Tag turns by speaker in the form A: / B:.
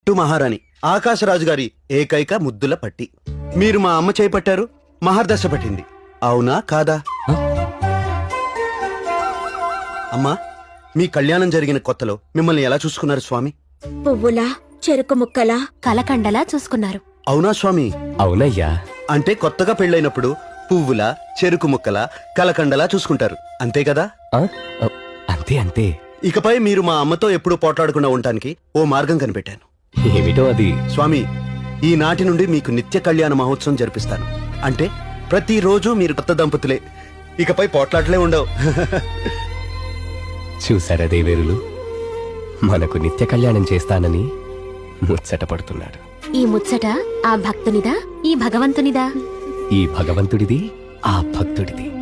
A: పట్టు మహారాణి ఆకాశరాజు గారి ఏకైక ముద్దుల పట్టి. మీరు మా అమ్మ చేయి పట్టారు, మహర్దశ పట్టింది. అవునా కాదా? అమ్మా, మీ కళ్యాణం జరిగిన కొత్తలో మిమ్మల్ని ఎలా చూసుకున్నారు స్వామి?
B: పువ్వులా, చెరుకు ముక్కలా,
C: కలకండలా చూసుకున్నారు.
A: అవునా స్వామి?
D: అవునయ్యా.
A: అంటే కొత్తగా పెళ్ళైనప్పుడు పువ్వుల, చెరుకు ముక్కల, కలకండలా చూసుకుంటారు, అంతే కదా?
D: ఆ? అంతే అంతే.
A: ఇకపై మీరు మా అమ్మతో ఎప్పుడూ పోట్లాడకుండా ఉండటానికి ఓ మార్గం కనిపెట్టాను.
D: ఏమిటో అది?
A: స్వామి, ఈనాటి నుండి మీకు నిత్య కళ్యాణ మహోత్సవం జరిపిస్తాను. అంటే ప్రతిరోజు మీరు కొత్త దంపతులే, ఇకపై పోట్లాటలే ఉండవు.
D: చూసారా దేవేరులు, మనకు నిత్య కళ్యాణం చేస్తానని ముచ్చట పడుతున్నాడు.
C: ఈ ముచ్చట ఆ భక్తునిదా, ఈ భగవంతునిదా?
D: ఈ భగవంతుడిది, ఆ భక్తుడిది.